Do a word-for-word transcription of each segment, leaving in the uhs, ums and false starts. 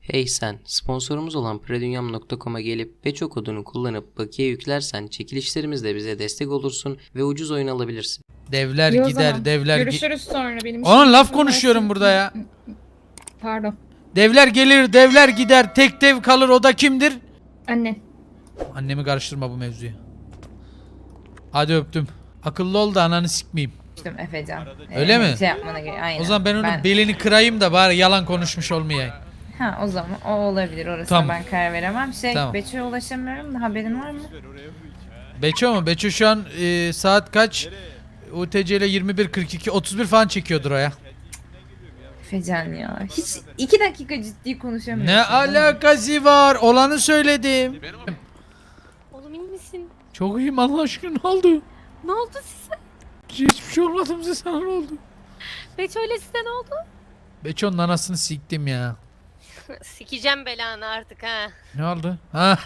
Hey sen, sponsorumuz olan predunyam nokta com'a gelip Beço kodunu kullanıp bakiye yüklersen çekilişlerimizde bize destek olursun ve ucuz oyun alabilirsin. Devler İyi o gider, zaman. devler gi- Görüşürüz sonra benim. Oğlum işim laf var. konuşuyorum burada ya. Pardon. Devler gelir, devler gider, tek dev kalır, o da kimdir? Anne. Annemi karıştırma bu mevzuya. Hadi öptüm. Akıllı ol da ananı sikmeyeyim. Efendim Efecan. Öyle Ee, mi? Şey yapmana gerek. Aynen. O zaman ben onun belini kırayım da bari yalan konuşmuş olmayayım. Ha o zaman o olabilir. Orasına Tamam. ben karar veremem. Şey Tamam. Beço'ya ulaşamıyorum da haberin var mı? Beço mu? Beço şu an e, saat kaç? U T C ile yirmi bir kırk iki otuz bir falan çekiyordur o ya. Efecan ya. Hiç iki dakika ciddi konuşamıyorsun. Ne değil mi? alakası var? Olanı söyledim. Oğlum iyi misin? Çok iyiyim Allah aşkına, ne oldu? Ne oldu size? Hiçbir şey olmadı bize, sana ne oldu? Beç öyle size ne oldu? Beço'nun anasını siktim ya. Sikeceğim belanı artık ha. Ne oldu? Ha.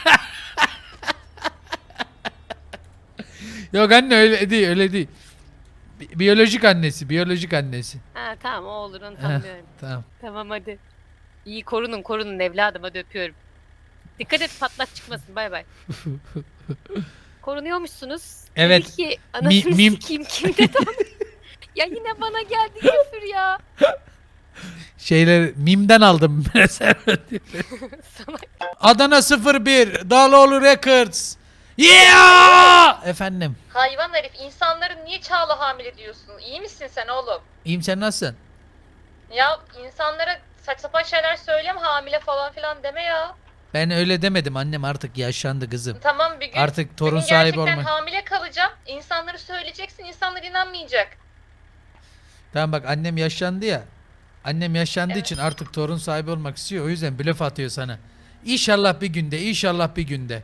Yok anne, öyle değil, öyle değil. Bi- biyolojik annesi, biyolojik annesi. Ha tamam o olur onu Heh, tanımıyorum. tamam. Tamam hadi. İyi korunun korunun evladım hadi öpüyorum. Dikkat et patlak çıkmasın bay bay. Korunuyormuşsunuz. Evet. Dedi ki anasını Mi- mim- sikeyim kim dedi onu? Ya yine bana geldi küfür ya. Şeyler mimden aldım prezervatif. Salak. Adana sıfır bir Dağlıoğlu Records. Yeah! Efendim. Hayvan herif, insanları niye Çağla hamile diyorsun? İyi misin sen oğlum? İyiyim, sen nasılsın? Ya insanlara saç sapan şeyler söyleme, hamile falan filan deme ya. Ben öyle demedim annem, artık yaşlandı kızım. Tamam bir gün Artık torun senin sahibi gerçekten olmak. hamile kalacağım. İnsanları söyleyeceksin, insanlar inanmayacak. Tamam bak, annem yaşlandı ya. Annem yaşlandığı Evet. için artık torun sahibi olmak istiyor. O yüzden blöf atıyor sana. İnşallah bir günde, inşallah bir günde.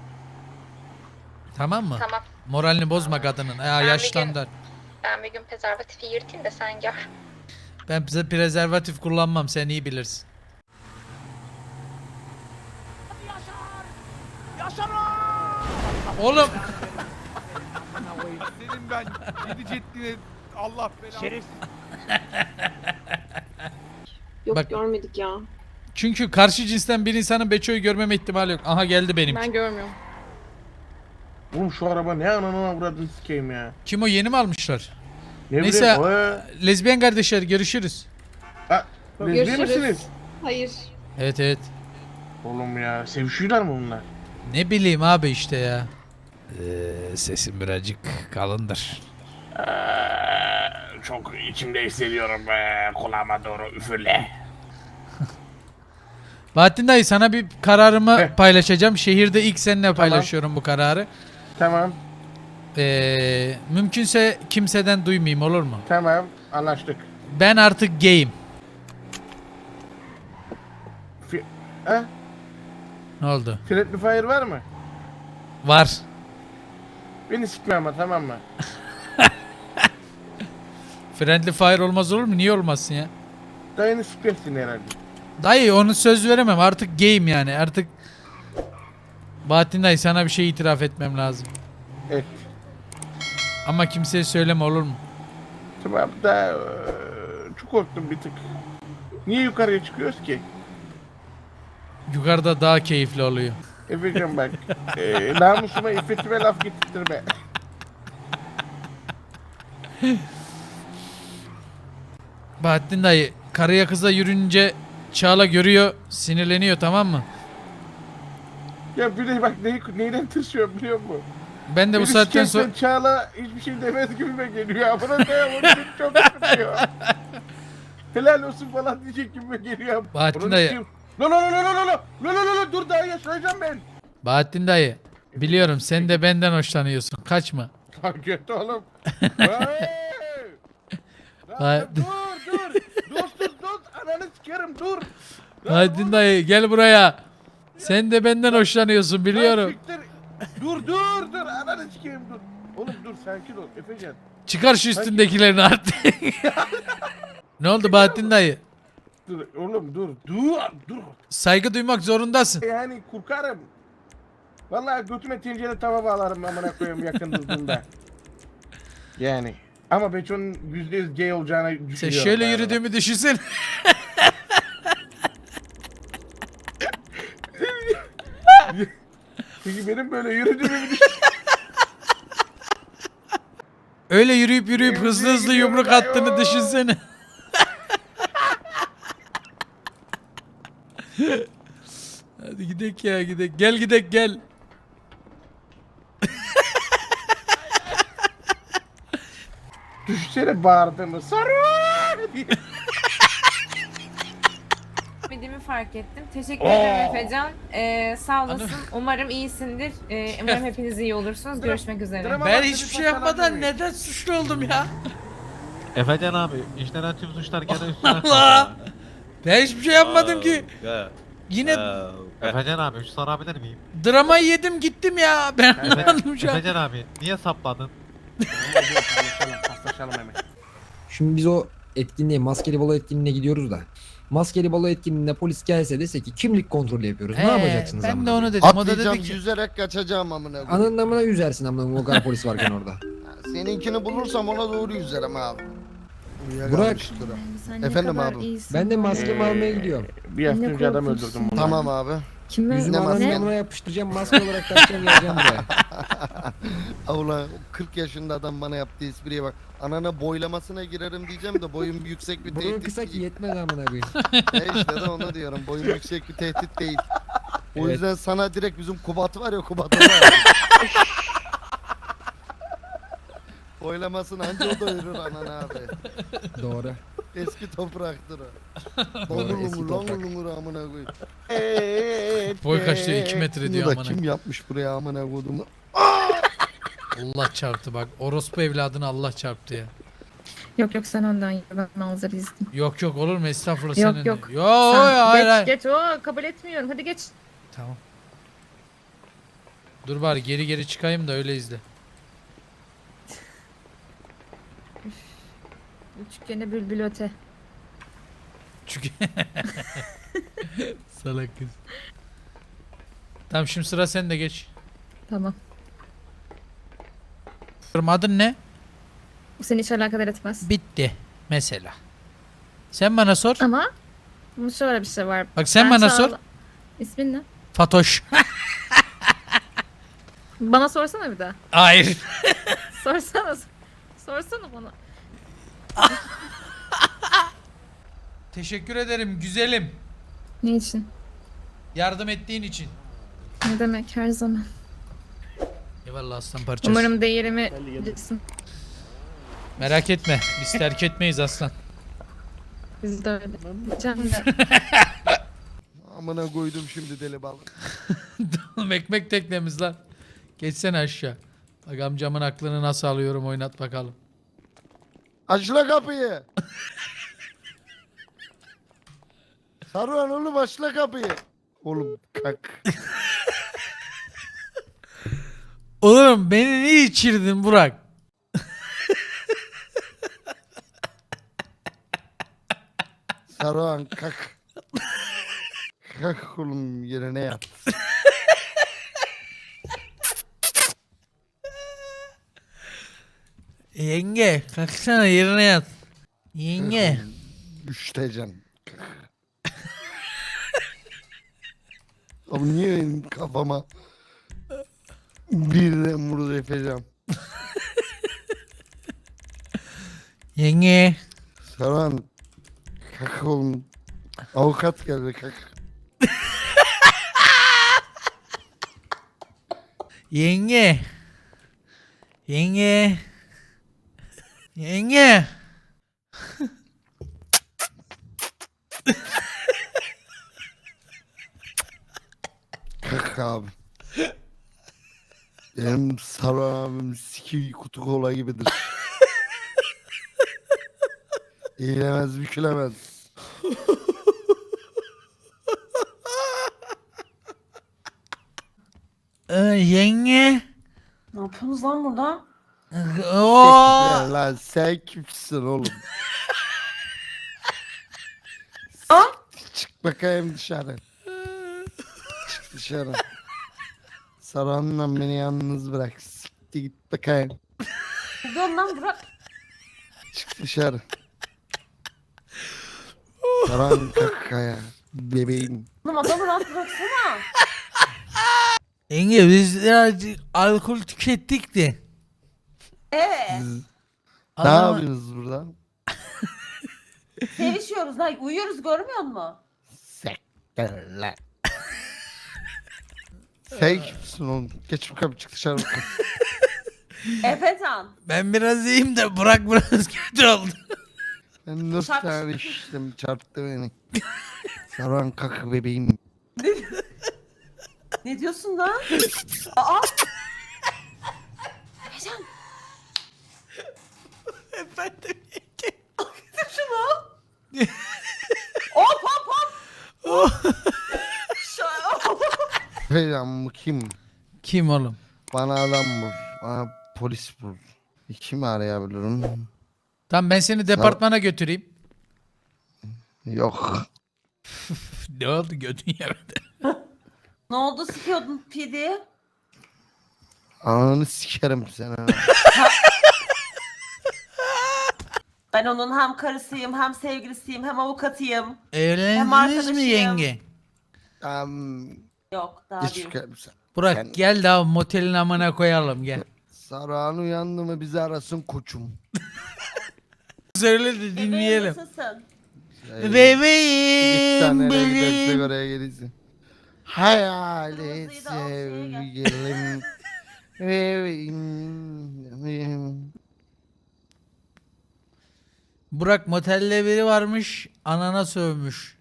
Tamam mı? Tamam. Moralini bozma kadının. Ya bir yaşlandı. Ben bir gün prezervatifi yırtayım da sen gör. Ben bize prezervatif kullanmam, sen iyi bilirsin. Oğlum Senin ben yedi ceddine Allah belanı. Şerif. Yok Bak- görmedik ya. çünkü karşı cinsten bir insanın Beço'yu görmeme ihtimali yok. Aha geldi benim. Ben görmüyorum. Oğlum şu araba ne ananı avradını sikeyim ya. Kim o, yeni mi almışlar? Ne Neyse, bileyim, o- lezbiyen kardeşler, görüşürüz. Ha, lezbiyen Görüşürüz. misiniz? Hayır. Evet evet. Oğlum ya, sevişiyorlar mı bunlar? Ne bileyim abi işte ya. Ee, sesim birazcık kalındır. Ee, çok içimde hissediyorum be, kulağıma doğru üfürle. Bahattin dayı, sana bir kararımı Heh. paylaşacağım. Şehirde ilk seninle paylaşıyorum bu kararı. Tamam, Ee, mümkünse kimseden duymayayım, olur mu? tamam, anlaştık. Ben artık gayim. Fi ha? Ne oldu? Friendly fire var mı? Var. Beni sikme ama, tamam mı? Friendly fire olmaz olur mu? Niye olmasın ya? Dayını sikmesin herhalde. Dayı onu söz veremem. Artık gayim yani. Artık Bahattin dayı, sana bir şey itiraf etmem lazım. Evet. Ama kimseye söyleme, olur mu? Tamam da eee, çok korktum bir tık. Niye yukarıya çıkıyoruz ki? Yukarıda daha keyifli oluyor. Efecan bak, eee namusuma, iffetime laf getirttirme. Bahattin dayı, karıya kıza yürünce Çağla görüyor, sinirleniyor, tamam mı? Ya bir de bak neyi, neyden tırsıyorum biliyor musun? Ben de bu Beni saatten sonra... sikersen Çağla hiçbir şey demez gibime geliyor. Amına koyayım, onu beni çok sıkıyor. Helal olsun falan diyecek gibime geliyor. Bahattin Onu dayı. sikeyim. Lo lo lo lo lo lo lo lo lo lo dur daha yaşayacağım ben. Bahattin dayı, biliyorum sen de benden hoşlanıyorsun. Kaçma. Lan kötü oğlum. Hey! Vay- Lan dur dur. Dost dur dost ananı sikerim dur. Lan Bahattin dayı, gel buraya. Sen de benden hoşlanıyorsun, Lan biliyorum. siktir. Dur dur dur ananı sikeyim dur. Oğlum dur sakin ol Efecan. Çıkar şu üstündekilerini artık. Ne oldu Bahattin dayı? Dur oğlum dur dur dur. Saygı duymak zorundasın. Yani korkarım. Vallahi götüme tencere tava bağlarım amına koyayım yakın durduğumda. Yani. Ama Beço'nun yüzde yüz gay olacağını düşünüyorum. Sen şöyle galiba. yürüdüğümü düşünsene. Peki benim böyle yürüdüğümü bir Öyle yürüyüp yürüyüp Emziğe hızlı hızlı gidiyorum yumruk ben, attığını yoo. düşünsene. Hadi gidek ya gidek. Gel gidek gel. Düşsene bağırdığımı. Sarı diye. Bildiğimi fark ettim. Teşekkür ederim Oo. Efecan. Ee, sağ olasın. Hanım. Umarım iyisindir. Ee, umarım hepiniz iyi olursunuz. Görüşmek üzere. Drama Ben bak, hiçbir seni şey yapmadan saçmalamıyor. neden suçlu oldum ya? Efecan abi işlenen tüm suçlar gene üstüne Allah! Ben hiçbir şey yapmadım ki. Yine Efecan abi şu sorabilir miyim? dramayı yedim gittim ya. Ben anlamadım şu an. Efecan abi niye sapladın? Hadi paslaşalım, paslaşalım hemen. Şimdi biz o etkinliğe, maskeli balo etkinliğine gidiyoruz da. Maskeli balo etkinliğinde polis gelse dese ki kimlik kontrolü yapıyoruz. Ne Ee, yapacaksınız Ben amına de onu koyayım? dedim. O da Atlayacağım, dedi ki yüzerek kaçacağım amına koyayım. Ananın amına yüzersin amına o kadar polis varken orada. Seninkini bulursam ona doğru yüzerim abi. Burak. Uyuyakalmıştır o. Sen ne Efendim kadar abi. iyisin Ben de var maskemi ya. almaya gidiyorum. Bir hafta Ne önce adam korkunçsun öldürdüm bunu. ya. Tamam abi. Kime? Yüzümü Ne ananın maske? yanına yapıştıracağım, maske olarak takacağım geleceğim buraya. Allah kırk yaşında adam bana yaptığı espriye bak. Anana boylamasına girerim diyeceğim de boyum yüksek bir Burun tehdit kısa ki değil. yetmez amına koyayım. E işte de onu diyorum. Boyum yüksek bir tehdit değil. O Evet. yüzden sana direkt bizim Kubat var ya Kubat'a var. Boylamasını anca o doyurur anan abi. Doğru. Eski topraktır o. Doğru, eski Longur toprak. longur longur amına koyayım. boy kaç diyor iki metre Bunu diyor da amına. kim yapmış buraya amına koyduğumu? Allah çarptı bak. Orospu evladını Allah çarptı ya. Yok yok sen ondan ya. Ben manzara izledim. Yok yok olur mu estağfurullah Yok, senin. yok. Yo Sen hayır geç hayır. geç. Oo, kabul etmiyorum. Hadi geç. Tamam. Dur bari geri geri çıkayım da öyle izle. Üçgene bülbül öte. Çünkü salak kız. Tamam şimdi sıra sende geç. Tamam. Adın ne? Bu seni hiç alakadar etmez. Bitti mesela. Sen bana sor. Ama bunun şöyle bir şey var. Bak sen Ben bana Çağla- sor. İsmin ne? Fatoş. Bana sorsana bir daha. Hayır. Sorsana. Sorsana bana. Teşekkür ederim güzelim. Ne için? Yardım ettiğin için. Ne demek her zaman. Eyvallah aslan parçası. Umarım değerimi bilirsin. Merak etme. Biz terk etmeyiz aslan. Biz de öyle. Diyeceğim de. Amına koydum şimdi deli balık. Oğlum ekmek teknemiz lan. Geçsene aşağı. Bak amcamın aklını nasıl alıyorum oynat bakalım. Aç la kapıyı. Saruhan oğlum aç la kapıyı. Oğlum kalk. Oğlum beni niye içirdin Burak? Saruhan kalk. Kalk oğlum yerine yat. Yenge kalksana yerine yat. Yenge. Üşüteceksin. Abi niye benim kafama birden vurdu yapacağım. Yenge. Saruhan kalk oğlum. Avukat geldi kalk. Yenge. Yenge. Yenge. Kalk abi. Benim Saruhan abim siki kutu kola gibidir. Eğilemez bükülemez. Ee, yenge. Ne yapıyorsunuz lan burada? Oo. Ya lan sen kimsin oğlum? Aa! Çık bakayım dışarı. Çık dışarı. Saruhan'la beni yalnız bırak. Siktir git bakayım. Dur lan Burak. Çık dışarı. Saruhan kalk ya. Bebeğim. Oğlum adamı rahat bıraksana. Yenge biz birazcık alkol tükettik de. Ee, Ne Ama- yapıyorsunuz burada? sevişiyoruz lan. Uyuyoruz görmüyor musun? Sekterler. Sen kimsin oğlum? Geç bakalım çık dışarı bakalım. Efecan. Ben biraz iyiyim de Burak biraz kötü oldu. Ben dört Çarp- tane içtim çarptı beni. Saran kakı bebeğim. Ne diyorsun lan? Aa! Efecan. Efendim Şunu. Hop hop hop. Şu- Falan bu kim? Kim oğlum? Bana adam bul. Bana polis bul. Kimi arayabilirim? Tamam ben seni departmana götüreyim. Yok. Ne oldu götün yemedi. Ne oldu sikiyordun pidi? Ananı sikerim seni. Ben onun hem karısıyım hem sevgilisiyim hem avukatıyım. Evlendiniz mi arkadaşıyım. yenge? Um, Yok daha geç değil. bakalım sen. Burak Sen- gel daha motelin amına koyalım gel. Saran uyandı mı bizi arasın koçum. Söyle de Bebeğim dinleyelim. nasılsın? Ee, Git Bebeğim sen nereye gidersek bebeğim. oraya gelirsin. Hayali Kırmızıyı da al, şeye gel. sevgilim. Bebeğim. Burak motelde biri varmış anana sövmüş.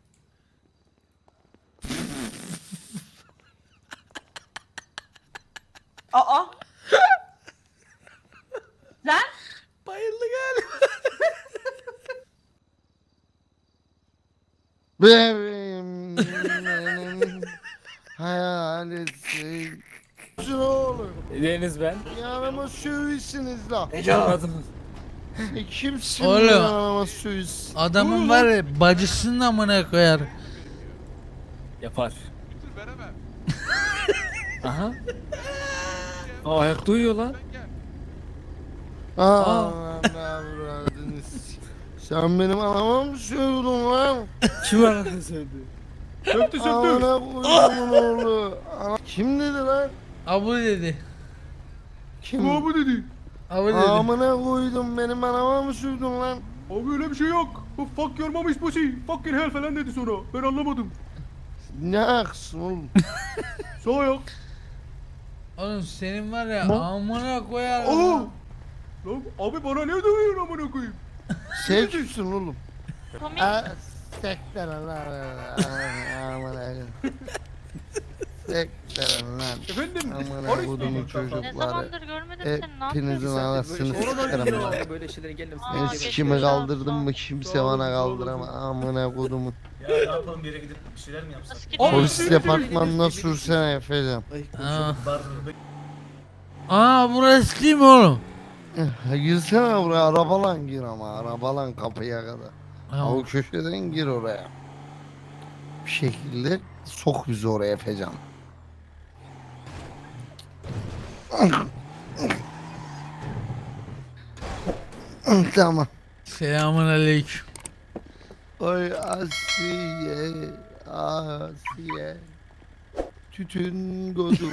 Aa! Lan! Bayıldı galiba. Bebeğim. benim Hayali sevgilim. Oğlum. Deniz ben. Yanıma sövüysünüz la. Anladınız. E, kimsin Oğlum. yanıma sövüysün? Adamın var ya bacısının amına koyar. Yapar. Götür veremem. Aha. Aa, ayakta uyuyor lan. Aa, ne avradınız? Sen benim anama mı sövdün lan? Kim anasını sevdi? Söktü söktü. Amına koyduğumun oğlu. Ana- Kim dedi lan? Abu dedi. Kim? Bu dedi. Abu dedi. Amına koydum benim anama mı sövdün lan? Abi öyle bir şey yok. Bu fuck your mom is pussy. Fuck your hell falan dedi sonra. Ben anlamadım. Ne aksın oğlum? Sağ ayak. Oğlum senin var ya Ne? amına koyar. Aa! Lan abi bana ne dövüyorsun amına koyayım? Sen kimsin oğlum? Aa, sekter lan. Amına koyayım. Sekter lan. Efendim? Amına Polis kodumun miyim? çocukları. görmedim Hepinizin anasını sikerim lan. Böyle şeyleri geldim. Ben sikimi kaldırdım mı kimse bana kaldıramaz. Amına kodumun. Ya ne yapalım bir yere gidip bir şeyler mi yapsak? Polis departmanına sürsene Efe'cim. Aa. Aa burası değil mi oğlum? Girsene buraya arabalan gir ama arabalan kapıya kadar. Ha, O köşeden gir oraya. Bir şekilde sok bizi oraya Efecan. Tamam. Selamun aleyküm. Oy Asiye, Asiye. Tütün godum,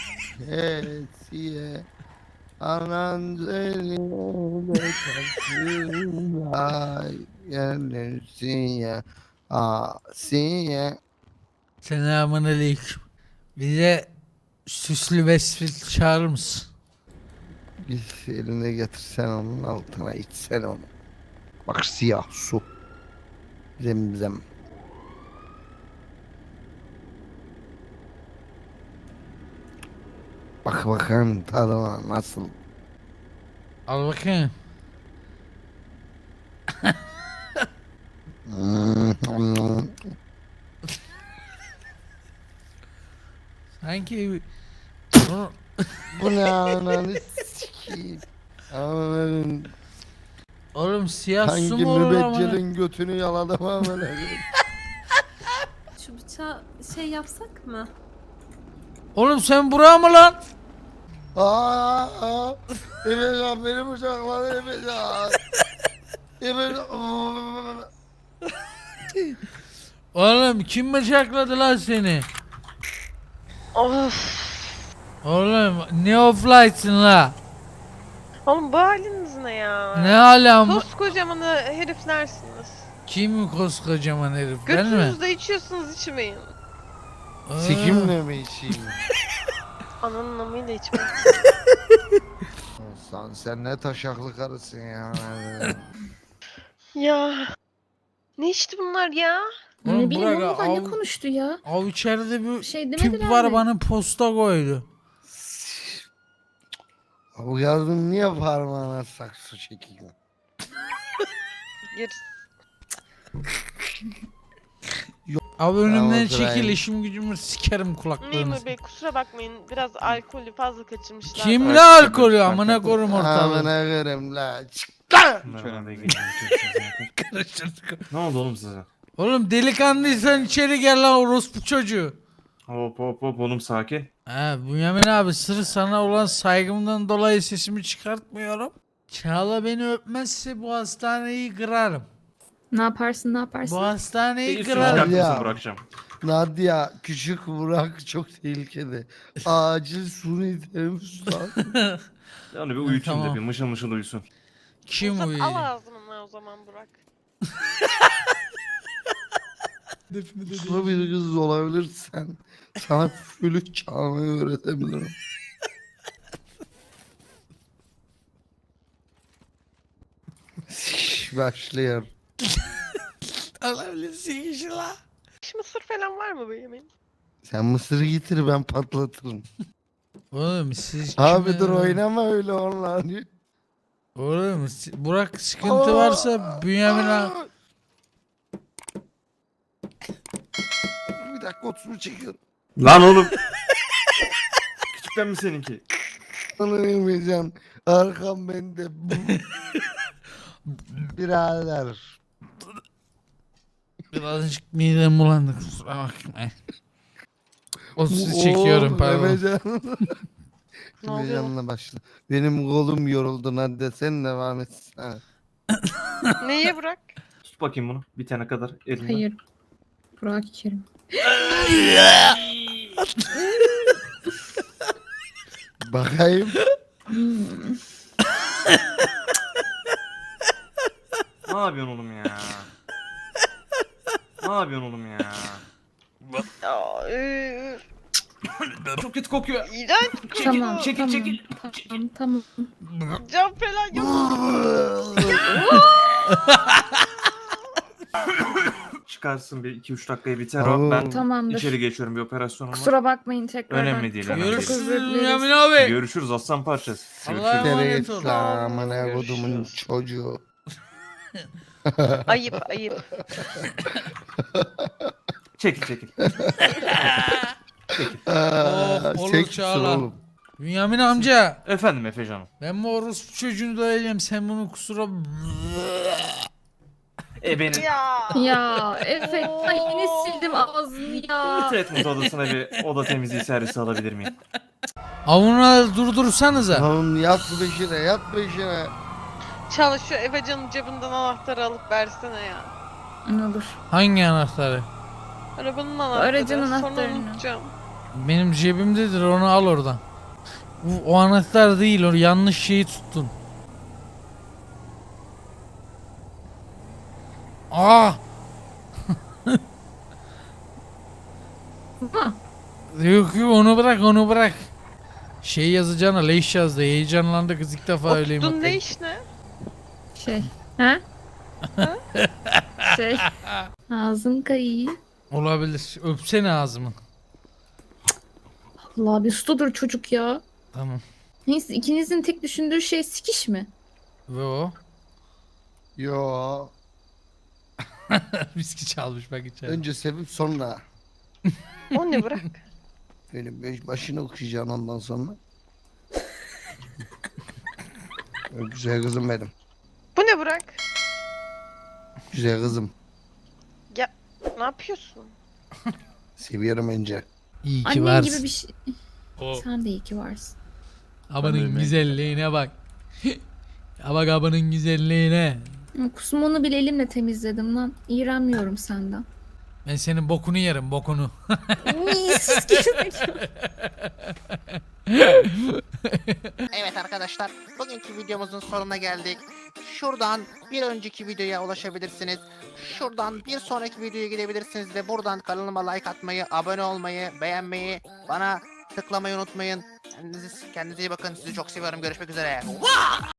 Asiye. Anan seni beklersin, ay gelirsin ya. Asiye. Selamun aleyküm. Bize süslü vesfil çağırır mısın? Bir eline getirsen onun altına içsen onu. Bak siyah su. Zemzem. Bak bakalım tadına nasıl. Al bakayım. Sanki Bunu- Bu ne ananı sikeyim. Ananın oğlum siyah su hangi mu olur ama? mübeccelin götünü yaladım amına. Şu bıçağı şey yapsak mı? Oğlum sen Burak mı lan? Aa, aa. Efecan beni bıçakladı Efecan. Efecan. Oğlum kim bıçakladı lan seni? Of. Oğlum ne offlightsın la? Oğlum bu haliniz ne ya? Ne alem? Koskocaman heriflersiniz. Kim koskocaman herif? Ben mi? Götünüzde içiyorsunuz içmeyin. Aa, Sikimle mi içeyim? Ananın amıyla içmeyin. Sen, sen ne taşaklı karısın ya. Ya. Ne içti bunlar ya? Oğlum Ne bileyim Burak, oğlum ne av- konuştu ya? Av içeride bir Şey tüp demediler var mi? bana posta koydu. Bu yazın niye parmağına saksı çekiyor? Gir. Abi önümden Tamam, çekil Brian. işim gücümü sikerim kulaklarını. Memur bey kusura bakmayın. Biraz alkolü fazla kaçırmışlar. Kim ne alkolü amına korum ortalığı. Amına görüm la. Çık. Ne oldu oğlum size? Oğlum delikanlıysan içeri gel lan orospu çocuğu. Hop hop hop oğlum sakin. Ha Bünyamin abi sırf sana olan saygımdan dolayı sesimi çıkartmıyorum. Çağla beni öpmezse bu hastaneyi kırarım. Ne yaparsın ne yaparsın? Bu hastaneyi İyi kırarım. çıkar. Ya. mısın bırakacağım. Nadia küçük Burak çok tehlikeli. Acil suni teneffüs lazım. Yani bir uyutun Tamam. da bir mışıl mışıl uyusun. Kim Uzat, al uyuyacak? ağzımdan o zaman Burak. Uslu bir kız olabilirsen sana flüt çalmayı öğretebilirim. Sikiş başlıyor. Alabilirsin işi la. Hiç mısır falan var mı bu yemeğin? Sen mısırı getir ben patlatırım. Oğlum siz Abi kime- dur oynama öyle onunla. Oğlum si- Burak sıkıntı varsa Bünyamin abi. Bir dakika oturumu çekiyorum. Lan oğlum. Küçükten mi seninki? Onu yemeyeceğim. Arkam bende. Birader. Birazcık midem bulandı kusura bakma. O sizi çekiyorum Oo, pardon. Efecan. Ne oluyor? Efecan'la başla. Benim kolum yoruldu hadi sen devam et. Ha. Neye Burak? Tut bakayım bunu. Bitene kadar elinden. Hayır. Burak içerim. Bakayım. Hmm. Ne yapıyorsun oğlum ya? Ne yapıyorsun oğlum ya? Ya, üf, Çok kötü kokuyor. İğrenç. Tamam çekil, tamam. çekil. Tamam tamam. Cam falan yok. Çıkarsın bir iki üç dakikaya biter Oo. o. Ben Tamamdır. içeri geçiyorum bir operasyonum var. Kusura bakmayın tekrardan. Önemli değil, Çok, önemli çok değil. özür dileriz. Bünyamin abi. Görüşürüz aslan parçası. Allah'a Görüşürüz. emanet ol. Amına kodumun çocuğu. Ayıp ayıp. Çekil çekil. Aa, olur çek Çağla. oğlum. Bünyamin amca. Efendim Efe canım. Ben bu orospu çocuğunu döveceğim sen bunu kusura... E benim Ya. Ya Efe ay yine sildim ağzını ya. treatment odasına bir oda temizliği servisi alabilir miyim? Avunu durdursanıza. Oğlum yat beşine yat beşine. Çalış şu Efecan'ın cebinden anahtarı alıp versene ya. Ne olur. Hangi anahtarı? Arabanın anahtarı. Aracın Sonra anahtarını. unutacağım. Benim cebimdedir onu al oradan. O, o anahtar değil o yanlış şeyi tuttun. Aa! Ha, Yok yok onu bırak onu bırak. Şey yazacağına leş yazdı heyecanlandı kız ilk defa öyleyim. Oktun ne iş ne? şey. Ha? şey. Ağzın kayıyor. Olabilir öpsene ağzımı. Allah bir ustudur çocuk ya. Tamam. Neyse ikinizin tek düşündüğü şey sikiş mi? Ve o. Yo. Viski çalmış bak içeri. Önce sevip sonra. O ne Burak? Benim beş başını okuyacağım ondan sonra. Güzel kızım benim. Bu ne Burak? Güzel kızım. Ne yapıyorsun? Seviyorum önce. İyi ki Annen varsın. gibi bir şey. Sen de iyi ki varsın. Abanın güzelliğine bak. Ya bak abanın güzelliğine. Kusmunu bile elimle temizledim lan. İğrenmiyorum senden. Ben senin bokunu yerim bokunu. Mis gibi. Evet arkadaşlar, bugünkü videomuzun sonuna geldik. Şuradan bir önceki videoya ulaşabilirsiniz. Şuradan bir sonraki videoya gidebilirsiniz ve buradan kanalıma like atmayı, abone olmayı, beğenmeyi, bana tıklamayı unutmayın. Kendinize, kendinize iyi bakın. Sizi çok seviyorum. Görüşmek üzere.